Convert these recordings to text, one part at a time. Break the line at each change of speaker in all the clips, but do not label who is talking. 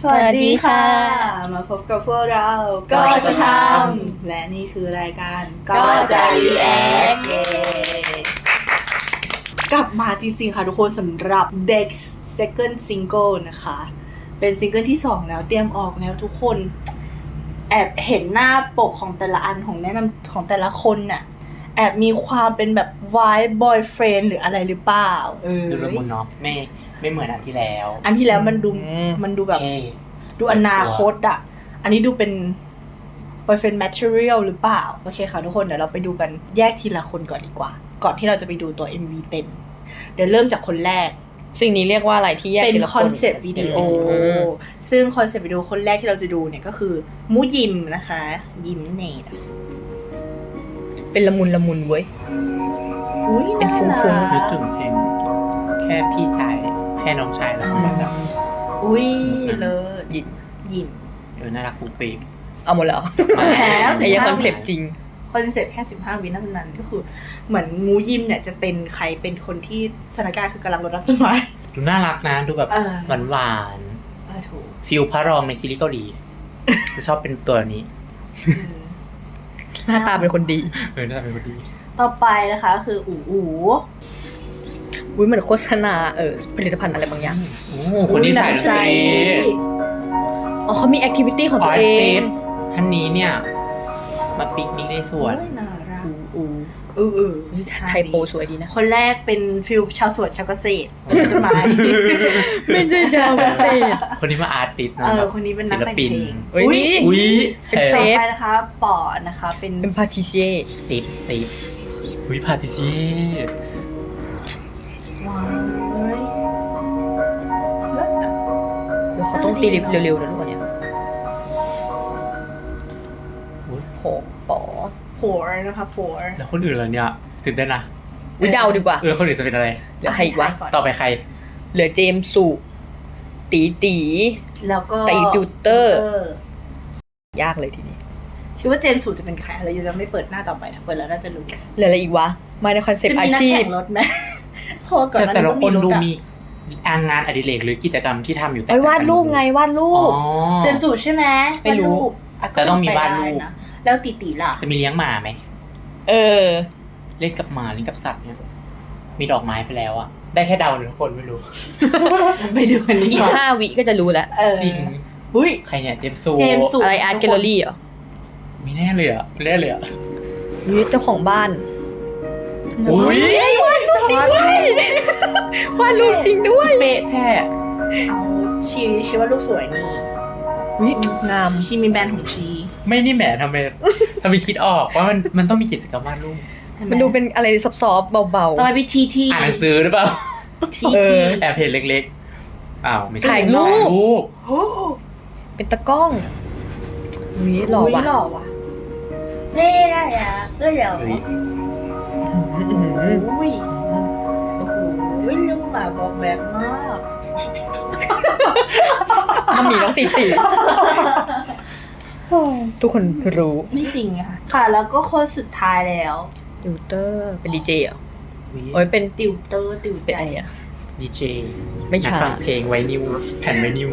สวัสดีค่ะ มาพบกับพวกเราก็จะทำและนี่คือรายการก็จะ react กลับมาจริงๆค่ะทุกคนสำหรับ Dex Second Single นะคะ เป็นซิงเกิลที่ 2 แล้วเตรียมออกแล้วทุกคนแอบเห็นหน้าปกของแต่ละอันของแนะนำของแต่ละคนน่ะแอบมีความเป็นแบบ vibe boyfriend หรืออะไรหรือเปล่า
ดูละมุนเนาะไม่เหมือนอันที่แล้ว
มันดูแบบดูอนาคตอ่ะอันนี้ดูเป็น boyfriend material หรือเปล่าโอเคค่ะทุกคนเดี๋ยวเราไปดูกันแยกทีละคนก่อนดีกว่าก่อนที่เราจะไปดูตัว MV เต็มเดี๋ยวเริ่มจากคนแรก
สิ่งนี้เรียกว่าอะไรที่แยก
เป็นคอนเซปต์วิดีโอซึ่งคอนเซปต์วิดีโอคนแรกที่เราจะดูเนี่ยก็คือมูยิมนะคะยิมเนต
เป็นละมุนเว้ยเป็นฟุ้ง
นึกถึงเพลงแค่พี่ชายแค่น้องชายแล้วมันแบบ
อุ้ยเลยยิม
น่ารักปุ๊บปิ๊บ
เอาหมดแล้ว
แพ้
ไอ้คอนเซปต์จริง
คอนเซปต์แค่15 วินาทีนั้นก็คือเหมือนมูยิมเนี่ยจะเป็นใครเป็นคนที่สถานการณ์คือกำลังรดน้ำต้นไม้
ดูน่ารักนะดูแบบหวาน
ถูก
ฟิลพระรองในซีรีส์เกาหลีจะชอบเป็นตัวนี้
หน้าตาเป็นคนดี
หน้าตาเป็นคนดี
ต่อไปนะคะก็คือ
อุ้ยเหมือนโฆษณาผลิตภัณฑ์อะไรบางอย่าง
คนนี้ถ่ายใจ
เขามีแอคทิวิตี้ของตัวเอง
ท่านนี้เนี่ยมาปิกนิกในสวน
น่ารัก
ไทยโปสวยดีนะ
คนแรกเป็นฟิลชาวสวนชาวเกษตรต้นไม้
ไม่ใช่ชาวเกษตร
คนนี้มาอาร์ติสต์
คนนี้เป็นนักแต่งเพลง
อุ้ย
เป็นเซฟนะคะปอนะคะเป็น
พาทิเช่
เซฟอุ้ยพาทิเช่
ว้าว
เดี๋ยวเขาต้องตีลิฟเร็วๆนะทุกคนเนี่ย
ผัวนะคะผัว
แล้วคนอื่นเหรอเนี่ยตื่นเต้นนะ
เดาดีกว่า
คนอื่นจะเป็นอะไร
เหลือใครอีกวะ
ต่อไปใคร
เหลือเจมส์สุตี
แล้วก็
ติวเตอร์ยากเลยทีนี้
คิดว่าเจมส์สุจะเป็นใครเราจะไม่เปิดหน้าต่อไปถ้าเปิดแล้วน่าจะรู้
เหลืออะไรอีกวะมาในคอนเซ็ปต์อาชีพ
จะมีนักแข่งรถไหมพอก่อน
แต่ละคนดูมีงานอดิเรกหรือกิจกรรมที่ทำอยู่แต่
วาดรูปไงวาดรูป
เจมส์สุใช่ไหม
ไม่รู้
จะต้องมีวาดรูป
แล้วตีล่ะ
จะมีเลี้ยงหมาไหมเล่นกับหมาเล่นกับสัตว์เนี่ยมีดอกไม้ไปแล้วอ่ะได้แค่เดาหนึ่งคนไม่รู้
ไปดูอันนี้
อีก5 วิก็จะรู้แล้ว
จริงใครเนี่ยเจมส์
อะไรอาร์ตแกลเลอรี่เหรอ
มีแน่เลยอ่ะ
นี่เจ้าของบ้าน
อุ้ยวาดรูปจริงด้วย
วาดรูปจริงด้วย
เป๊ะแท้
เอาชีว่ารูปสวยนี่
งาม
ชีมีแบรนด์ของชี
ไม่นี่แหมทำไมคิดออกว่ามันต้องมีกิจกรรมวาดรูป
มันดูเป็นอะไรซอฟๆเบาๆ
ต่อไปที
อ่านหนังสือหรือเปล่า
ที
แอบเห็นเล็กๆอ้าวไม่ใช่
ถ่ายรูปเป็นตะกล้องหล่อว่ะ
ไม่ได้อ่ะก็เดี๋ยวลูกหมาบอกแบบมาก
มันมีน้องตีทุกคนรู้
ไม่จริงค่ะแล้วก็คนสุดท้ายแล้ว
ติวเตอร์เป็นดีเจเหรอโอ้ยเป็น
ติวเตอร์
เป็นอะไรอ่ะ
ดีเจ
ไม่ใช่
ฟังเพลงไวนิวแผ่นไวนิว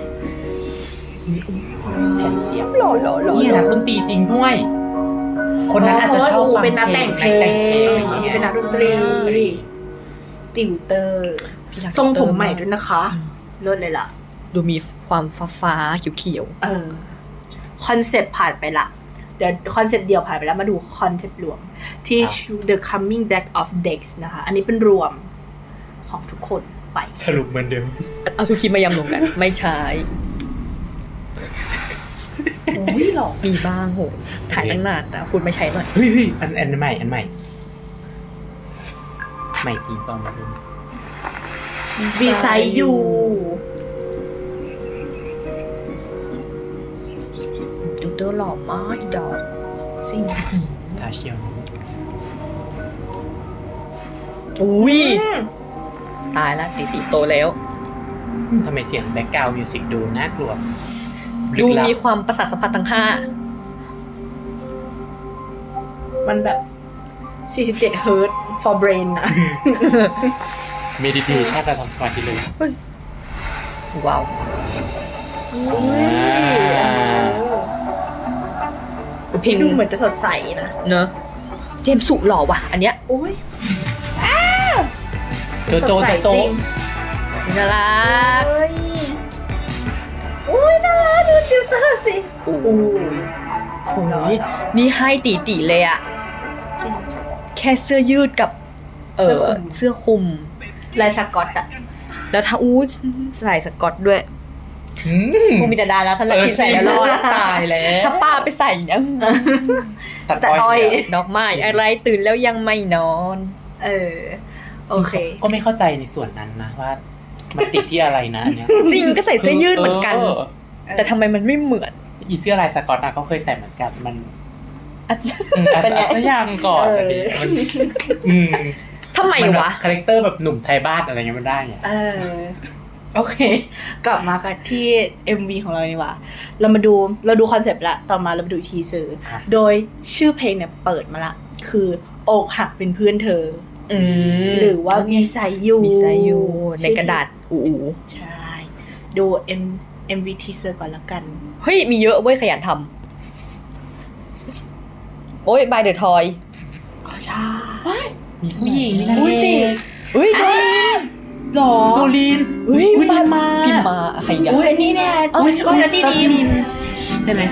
แผ่นเสียบ
หล่อ
นี่นักดนตรีจริงด้วยคนนั้นอาจจะชอบฟัง
เป็นนักแต่งเพลงเป็นนักดนตรีติวเตอร์ทรงผมใหม่ด้วยนะคะเลิศเลยล่ะ
ดูมีความฟ้าเขียว
คอนเซปต์ผ่านไปละเดี๋ยวคอนเซปต์เดียวผ่านไปแล้วมาดูคอนเซปต์รวมที่ The Coming Back of Dex นะคะอันนี้เป็นรวมของทุกคนไป
สรุปเหมือนเดิม
เอาทุกคลิปมายำรวมกันไม่ใช่
โอ้ยหรอ
มีบ้างโหถ่ายตั้งนานแต่พูดไม่ใช่หน่อย
เฮ้ยอันใหม่ใหม่จริงตอนนี้
วีไซยู
ดูเตอร์หล่อมากดอก
จริง
ทาเชียว
อุ้ยตายละตีโตแล้ว
ทำไมเสียงแบ็คกราวด์มิวสิกดูน่ากลัว
ดูมีความประสาทสัมผัสทั้ง5
มันแบบ47 เฮิร์ต for brain นะ
เมดิเทชั่นการทำสมาธิเลย
ว้าวเพลง
ดูเหมือนจะสดใสนะ
เนอะเจมส์สุหล่อว่ะ อันเนี้ย
อุ้ย
โจโจ
สดใส
โจ
จริง
น่ารัก
เอ้ยอุ้ยน่ารักดูฟิลเตอร์สิ
โอ้
อู้
โหนี่ให้ตีเลยอะ
จริง
แค่เสื้อยืดกับ เสื้อคลุม
ลายสกอตอะ
แล้วถ้าใส่สกอตด้วยคงมีแต่ดาแล้วท่านเลยที่ใส่แล้วรอด
ตายแล้ว
ถ้าป้าไปใส่เนี่ย
ตัดอ้อย
ดอกไม้อะไรตื่นแล้วยังไม่นอน
โอเค
ก็ไม่เข้าใจในส่วนนั้นนะว่ามันติดที่อะไรนะอันเนี้ย
จริงก็ใส่เสื้อยืดเหมือนกัน แต่ทำไมมันไม่เหมือน
อีเสื้อลายสกอตนะก็เคยใส่เหมือนกันมัน
เป็นไง
สักอย่างก่อนอะไรอย่างเงี้ยมัน
ทำไมวะ
คาแรคเตอร์แบบหนุ่มไทยบ้านอะไรเงี้ยมันได้ไง
โอเค กลับมากันที่ MV ของเราดีกว่าเราดูคอนเซปต์ละต่อมาเรามาดูทีเซอร์โดยชื่อเพลงเนี่ยเปิดมาละคืออกหักเป็นเพื่อนเธอ หรือว่ามีไซยู
มีไซยูในกระดาษอู
ใช่ ดู MV ทีเซอร์ก่อนละกัน
เฮ้ยมีเยอะเว้ยขยันทำโอ้ยบายเดอะทอย
อ๋อใช่
มีผู้หญิงมีนาง
อุ้ย
เอ
ติ
ก
เฮ้ยโจลิน
หรอ
โจลิน
เฮ้ย
พิมมา
พิมมาใครกัน
อุ้ยอันนี้เนี่ย
เอ้ย
ก็นัตตี้ดีม
ใช่ไหม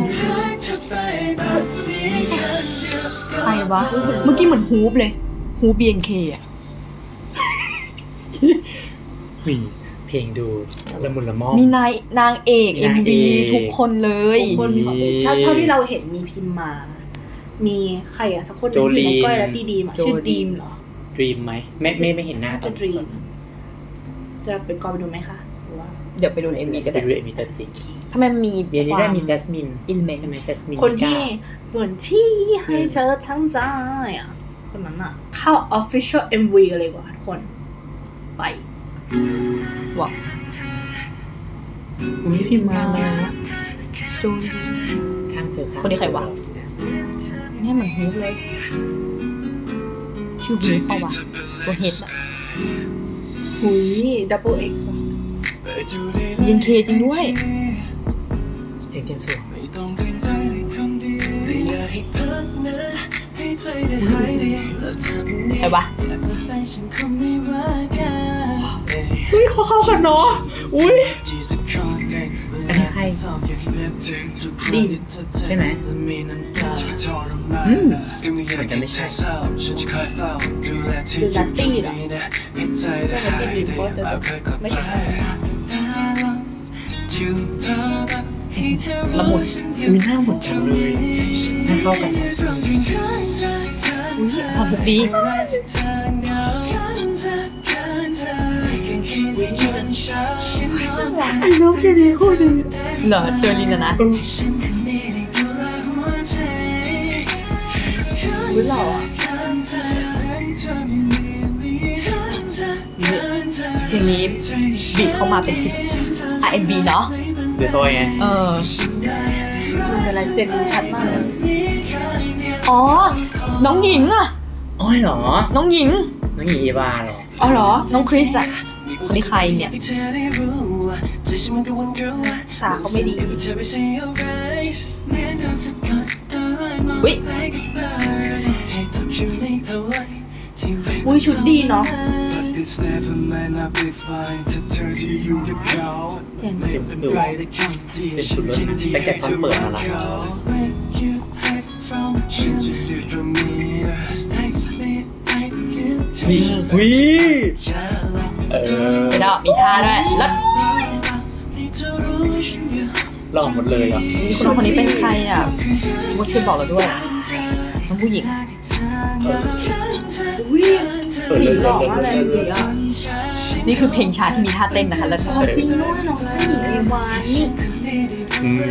ใครวะ เมื่อกี้เหมือนฮูปเลยฮูป BNK อ่ะ
มีเพลงดูละมุนละม่อม
มีนางเอก
นาง
MV
เอก
ทุกคนเลย
ทุกคนเท่าที่เราเห็นมีพิมพ์มา มีใครอะสักคนหนึงที่อยู่ในก้อยนัตตี้ดีมอะชื่อดีมเหรอ
ดรีมไหมไม่เห็นหน้า
น่า
ตอ
จะ
น
ดรีมจะไปกอไปดูไหมคะหรือว่า
เดี๋ยวไปดูใน MV ก็
ไป
ได้
ดูมีตัวจริง
ทำไมมันมี
เบียร์นี้ได้มีแจสมิน
อินเมน
ใช่ไหมแจสมิน
คนที่ส่วนที่ให้เธอทั้งใจอ่ะ คนนั้นอ่ะ เข้า official MV กันเลยว่ะทุกคน ไป
ว่ะ
อุ้ยพิมพ์มา
จูน
ข้างเจอข้าง
คนนี้ใครวะ เนี่ยเหมือนฮูปเลย ชื่อฮูปเปล่าวะตัวเฮดอะ
หุย double X
BNK จริงด้วย
เสียงเจมส์สวง
ใครวะ
อุ้ยเขาเข้ากันเนาะอุ้ย
อันนี้ใคร
ดีม
ใช่ไหมเหมือนจะไม่ใช่
คือนัตตี้เหรอนัตตี้ดีมก็จะไม่ใช่
ละมุน
อุ้ยหน้าเหมือนกันเลยหน้าเข้ากันเลย
ทำทุกดี
ไอ้น้องแค่นี้พูดเลย
เหรอเจอลินนะ
อุ้ยหล่ออ่ะ
เพลงนี้บีทเข้ามาเป็นR&B เนาะ
เดี๋ยวตัวไง
มันเป็นลายเซ็นชัดมากเลย
อ๋อ น้องหญิงอะ
อ้อยเหรอ
น้องหญิง
น้องหญิงอีวาเหรอ
อ๋อเหรอ น้องคริสอะคนนี้ใครเนี่ย
ตาเขาไม่ดี
อุ๊ย
อุ้ยชุดดีเนาะ เจมส์
เจมส์สวงเป็นชุดรถตั้งแต่ตอนเปิดมาแล้ว วิ
ไปดอกมีท่าด้วยแล้ว
หล่อหมดเลยอ่ะ
คนน้องคนนี้เป็นใครอ่ะมดช่วยบอกเราด้วยน้องผู้หญิง
อุ้ย
เปิดเลย
หล่อมากเลยจริงๆอ่ะ
นี่คือเพลงช้าที่มีท่าเต้นนะคะแล้วก็
จริงด้วยน้องผู้หญิงเอวานนี่
อืม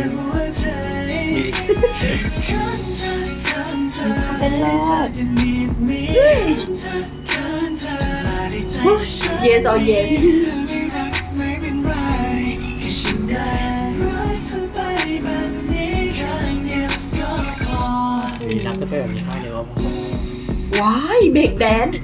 เป็นเลิศ yes or yes
มีนักก็เป็นแบบนี้มากเลยว่า
ว้ายเบรกแดนซ์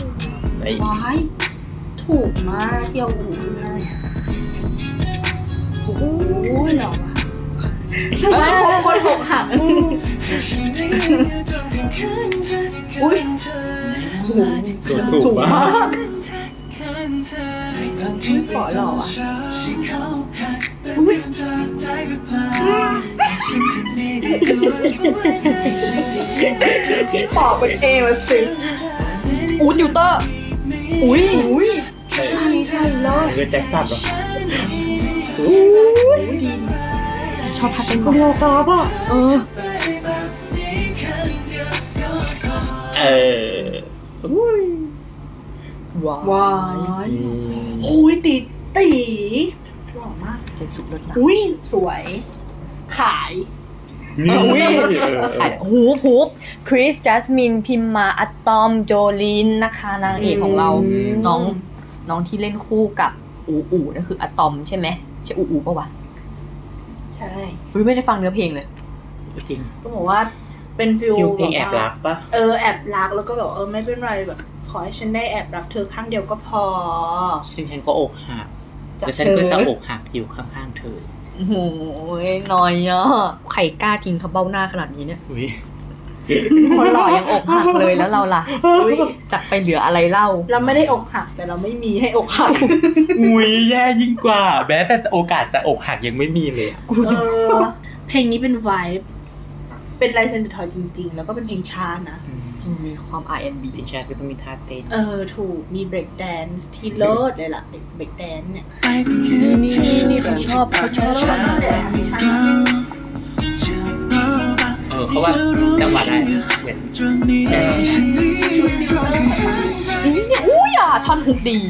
ไอ้
ว้ายถูกมากที่เอาหูขึ้นให้อ้ยหล่อว่ะทำไมคนอกหักอุ้ยสูงมากขอหล่อว่ะปอกเป็นเอมาสิ
ติวเตอร์
ใช่เลย
คือแจ็คสันหรอ
ชอบพัดเป็นบอล
เราฟ้าป่ะว้ายโอ้ยตีหล่อมาก
เจ๋งสุดเลยนะ
อุ้ยสวยขาย
ขายฮูปคริสจัสมินพิมมาอะตอมโจลินนะคะนางเอกของเราน้องที่เล่นคู่กับอูนั่นคืออะตอมใช่ไหมใช่อูป่ะวะ
ใช่
ไม่ได้ฟังเนื้อเพลงเลย
จริง
ก็บอกว่าเป็นฟิล
เพลงแอบรักปะ
แอบรักแล้วก็แบบไม่เป็นไรแบบขอให้ฉันได้แอบรักเธอข้างเดียวก็พอ
ซึ่งฉันก็อกหักแล้วฉันก็จะอกหักอยู่ข้างๆเธอ
โอ้โหน้อยอ่ะใครกล้าทิ้งเขาเบ้าหน้าขนาดนี้เนี่ย คนหล่อยังอกหักเลยแล้วเราล่ะจักไปเหลืออะไรเล่า
เราไม่ได้อกหักแต่เราไม่มีให้อกหัก
อุ้ยแย่ยิ่งกว่าแม้แต่โอกาสจะอกหักยังไม่มีเลย
เพลงนี้เป็นไวบ์เป็นลายเซ็นเดอร์ทอยจริงๆแล้วก็เป็นเพลงช้านะ
มีความ R&B
เพลงชาติก็ต้องมีท่าเต้น
ถูกมีเบรกแดนซ์ที่เลิศเลยล่ะเบรกแดนซ์เนี่ย
นี่เขาชอบ
เขาว่าจังหวะได้เหมือน
อุ้ยท่อนฮุกดี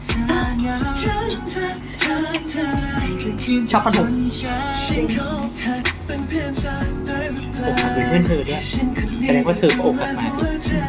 ชอบท่อนฮุก
อกหักเป็นเพื่อนเธอเนี่ยแสดงว่าเธอก็อกหักมาดิ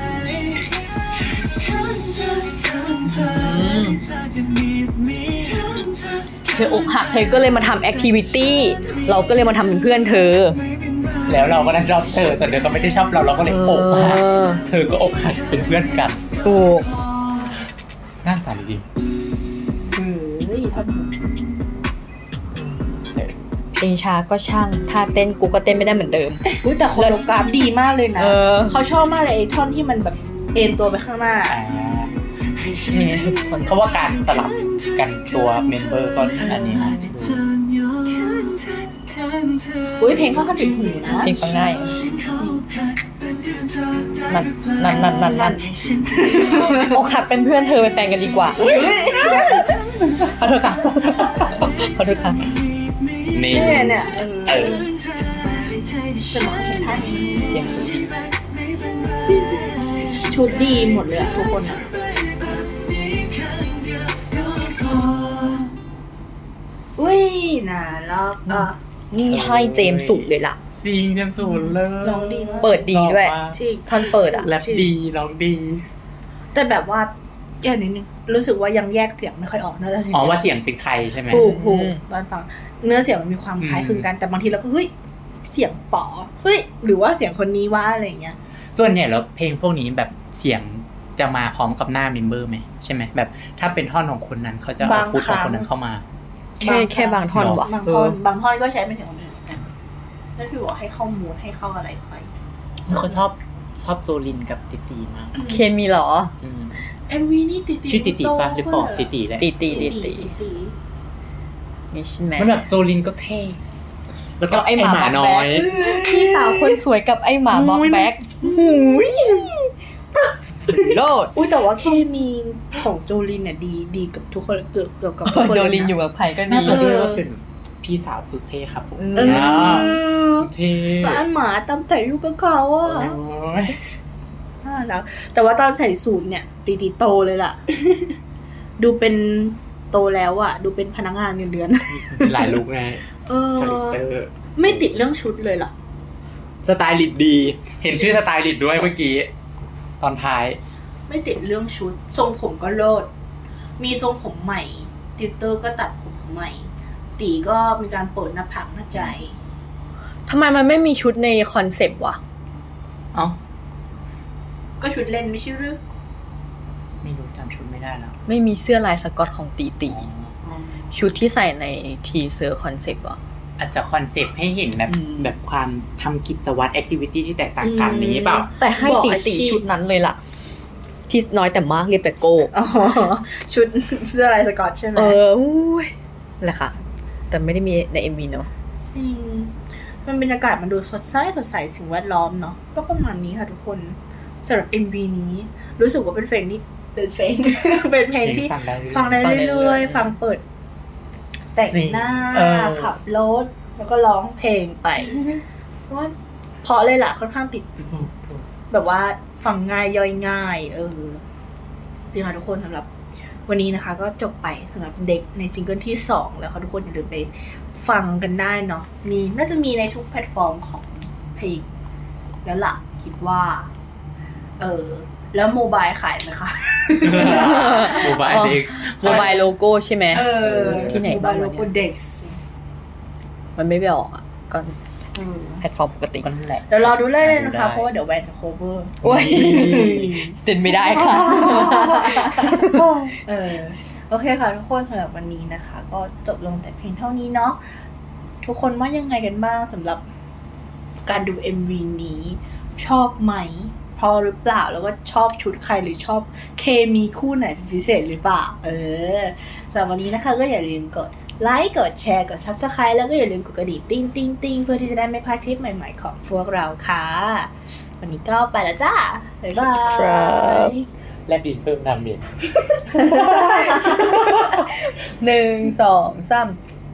เธออกหักเธอก็เลยมาทำแอคทิวิตี้เราก็เลยมาทำเป็นเพื่อนเธอ
แล้วเราก็ได้ชอบเธอแต่เธอก็ไม่ได้ชอบเราก็เลยอกหักเธอก็อกหักเป็นเพื่อนกัน
ถูก
น่าสงสารจริง
ท่อนฮุก
เพลงช้าก็ช่างท่าเต้นกูก็เต้นไม่ได้เหมือนเดิม
แต่โคโรกราฟดีมากเลยนะ เขาชอบมากเลยไอ้ท่อนที่มันแบบเอ็นตัวไปข้างหน้า
เขาว่าการสลับกันตัวเมมเบอร์ก็อันนี้นะ
เพลงเขาขั้นติดหูนะ
เพลงฟังง่ายนั่นอกหักเป็นเพื่อนเธอเป็นแฟนกันดีกว่าขอโทษค่ะ
นี่
เนี่ยจะมาเห็นท่านี้
เสียงสุด
ชุดดีหมดเลยอะทุกคนอะน่ารักอ่ะ
นี่ให้เจมส์สุดเลยล่ะ
จริงเต็มสูนเลย
ร้องดีมาก
เปิดดีด้วย
จริง
ท่อนเปิดอ่ะ
แรปดีร้องดี
แต่แบบว่าแย่นิดนึงรู้สึกว่ายังแยกเสียงไม่ค่อยออกน่าจะ
ว่าเสียงเป็นใครใช่ไหม
ถูกตอนฟังเนื้อเสียงมันมีความคล้ายคลึงกันแต่บางทีเราก็เฮ้ยเสียงป๋อเฮ้ยหรือว่าเสียงคนนี้ว่าอะไรอย่างเงี้ย
ส่วนใหญ่แล้วเพลงพวกนี้แบบเสียงจะมาพร้อมกับหน้าเมมเบอร์ไหมใช่ไหมแบบถ้าเป็นท่อนของคนนั้นเขาจะเอาฟุตของคนนั้นเข้ามา
แค่บางท่อนวะ
บางท่อนก็ใช้เป็นเสียงคนอื่นเหมือนกันแล้วพี่บอกให้เข้ามูดให้เข้าอะไรไป
เขาชอบโจลินกับติตีมาก
เคมีหรอ
MV นี่ติ
ชื่อติตีป่ะหรือเปล่าติตีแหละ
ตินี่ใช่ไหม
มันแบบโจลินก็เท่แล้วก็ไอหมาน้อย
พี่สาวคนสวยกับไอหมาบ็อกแบ็คโลด
แต่ว่าเคมีของโจลินเนี่ยดีกับทุกคนเกือบกับทุกคน
โจลินอยู่กับใครก็ดี
น่าจะด้วยว่าเป็นพี่สาวพุสเท่ครับผมเท่
ก็อันหมาตามใส่ลูกกับเขาอ่ะแล้วแต่ว่าตอนใส่สูทเนี่ยตีโตเลยล่ะ ดูเป็นโตแล้วอ่ะดูเป็นพนักงานเงินเดือน
หลายลุคไงคาแรคเตอร์
ไม่ติดเรื่องชุดเลยล่ะ
สไตลิสต์ดีเห็นชื่อสไตลิสต์ด้วยเมื่อกี้ตอนท้าย
ไม่ติดเรื่องชุดทรงผมก็เลิศมีทรงผมใหม่ติวเตอร์ก็ตัดผมใหม่ตีก็มีการเปิดหน้าผากหน้าใจ
ทำไมมันไม่มีชุดในคอนเซปต์วะ
ก็ชุดเล่นไม่ใช่หรือ
ไม่รู้จำชุดไม่ได้แล้ว
ไม่มีเสื้อลายสก๊อตของตีชุดที่ใส่ในทีเซอร์คอนเซปต์อ่ะ
อาจจะคอนเซปต์ให้เห็นแบบ
อืม
แบบความทำกิจวัตรแอคทิวิตี้ที่แตกต่างกันนี้เปล่า
แต่ให้
บอก
ตี
อาชีพ
ชุดนั้นเลยล่ะ ที่น้อยแต่มากเรียบแต่โก้
อ๋อชุดเสื้อลายสก๊อตใช่ไหม
อุ้ยแหละค่ะ แต่ไม่ได้มีใน MV เนอะ
จริงมันบรรยากาศมันดูสดใสสิ่งแวดล้อมเนาะก็ประมาณนี้ค่ะทุกคนสำหรับ MV นี้รู้สึกว่าเป็นเพลงที่เป็นเพลง เป็นเพลงที่
ฟังได้เรื่อย
ฟังได้เรื่อยๆฟังเปิด แต่งหน้า ขับรถแล้วก็ร้องเพลงไปเพราะว่าเพราะเลยล่ะค่อนข้างติด แบบว่าฟังง่ายย่อยง่ายจริงค่ะทุกคนสำหรับวันนี้นะคะ ก็จบไปสำหรับเด็กในซิงเกิลที่ 2 แล้วค่ะทุกคนอย่าลืมไปฟังกันได้เนาะน่าจะมีในทุกแพลตฟอร์มของเพลงแล้วล่ะคิดว่าแล้วโมบายขายไหมคะ
โมบายเด็ก
โมบายโลโก้ใช่ไหม ที่ไหน
โม
บ้า
บาง ยโล
วะ
โก้
เนี่ย
เด็ก
มันไม่ไปออกอ่ะ ก็แพลตฟอร์มปกติ
ก็นั่นแหละ
เดี๋ยวรอดูเลยนะ
ดูได้
คะเพราะว่าเดี๋ยวแวนจะ cover
โอ้ยเต้นไม่ได้ค่ะ
โอเคค่ะทุกคนสำหรับวันนี้นะคะ ก็จบลงแต่เพียงเท่านี้เนาะทุกคนว่ายังไงกันบ้างสำหรับการดู MV นี้ชอบไหมพอหรือเปล่าแล้วก็ชอบชุดใครหรือชอบเคมีคู่ไหนเป็นพิเศษหรือเปล่าสำหรับวันนี้นะคะก็อย่าลืมกดไลค์กดแชร์กด Subscribe แล้วก็อย่าลืมกดกระดิ่งติ้งเพื่อที่จะได้ไม่พลาดคลิปใหม่ๆของพวกเราค่ะวันนี้ก็ไปแล้วจ้าบ๊ายบาย
ครับ
แลบดินเพิ่มดาเมจ
1 2 3